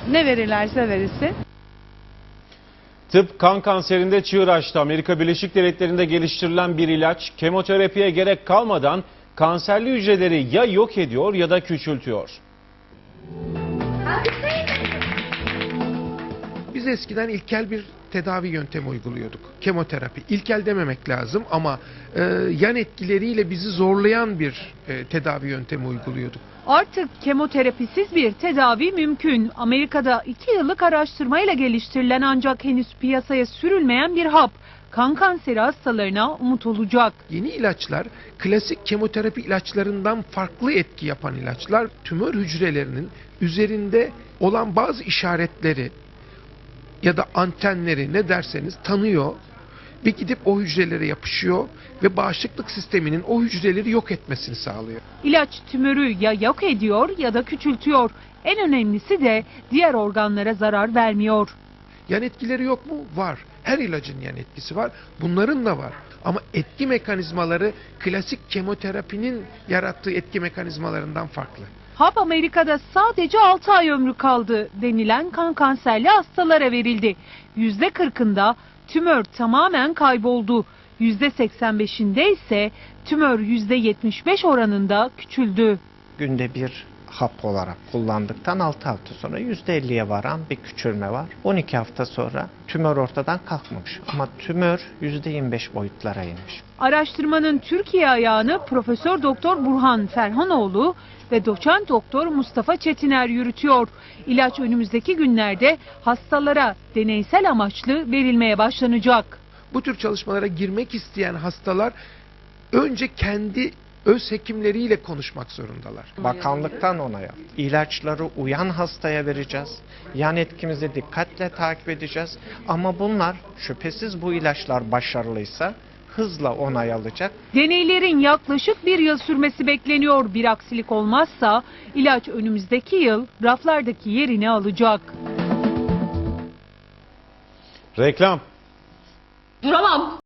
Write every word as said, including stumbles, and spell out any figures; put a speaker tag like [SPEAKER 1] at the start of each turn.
[SPEAKER 1] Ne verirlerse verilsin.
[SPEAKER 2] Tıp kan kanserinde çığır açtı. Amerika Birleşik Devletleri'nde geliştirilen bir ilaç kemoterapiye gerek kalmadan kanserli hücreleri ya yok ediyor ya da küçültüyor.
[SPEAKER 3] Biz eskiden ilkel bir tedavi yöntemi uyguluyorduk. Kemoterapi. İlkel dememek lazım ama e, yan etkileriyle bizi zorlayan bir e, tedavi yöntemi uyguluyorduk.
[SPEAKER 1] Artık kemoterapisiz bir tedavi mümkün. Amerika'da iki yıllık araştırmayla geliştirilen ancak henüz piyasaya sürülmeyen bir hap. Kan kanseri hastalarına umut olacak.
[SPEAKER 3] Yeni ilaçlar klasik kemoterapi ilaçlarından farklı etki yapan ilaçlar. Tümör hücrelerinin üzerinde olan bazı işaretleri ya da antenleri ne derseniz tanıyor ve gidip o hücrelere yapışıyor ve bağışıklık sisteminin o hücreleri yok etmesini sağlıyor.
[SPEAKER 1] İlaç tümörü ya yok ediyor ya da küçültüyor. En önemlisi de diğer organlara zarar vermiyor.
[SPEAKER 3] Yan etkileri yok mu? Var. Her ilacın yan etkisi var. Bunların da var. Ama etki mekanizmaları klasik kemoterapinin yarattığı etki mekanizmalarından farklı.
[SPEAKER 1] Hap Amerika'da sadece altı ay ömrü kaldı denilen kan kanserli hastalara verildi. yüzde kırkında tümör tamamen kayboldu. yüzde seksen beşinde ise tümör yüzde yetmiş beş oranında küçüldü.
[SPEAKER 4] Günde bir hap olarak kullandıktan altı hafta sonra yüzde elliye varan bir küçülme var. on iki hafta sonra tümör ortadan kalkmamış ama tümör yüzde yirmi beş boyutlara inmiş.
[SPEAKER 1] Araştırmanın Türkiye ayağını Profesör Doktor Burhan Ferhanoğlu ve Doçent Doktor Mustafa Çetiner yürütüyor. İlaç önümüzdeki günlerde hastalara deneysel amaçlı verilmeye başlanacak.
[SPEAKER 3] Bu tür çalışmalara girmek isteyen hastalar önce kendi öz hekimleriyle konuşmak zorundalar.
[SPEAKER 4] Bakanlıktan onay aldı. İlaçları uyan hastaya vereceğiz. Yan etkimizi dikkatle takip edeceğiz. Ama bunlar şüphesiz bu ilaçlar başarılıysa hızla onay alacak.
[SPEAKER 1] Deneylerin yaklaşık bir yıl sürmesi bekleniyor. Bir aksilik olmazsa ilaç önümüzdeki yıl raflardaki yerini alacak.
[SPEAKER 2] Reklam.
[SPEAKER 5] Duramam.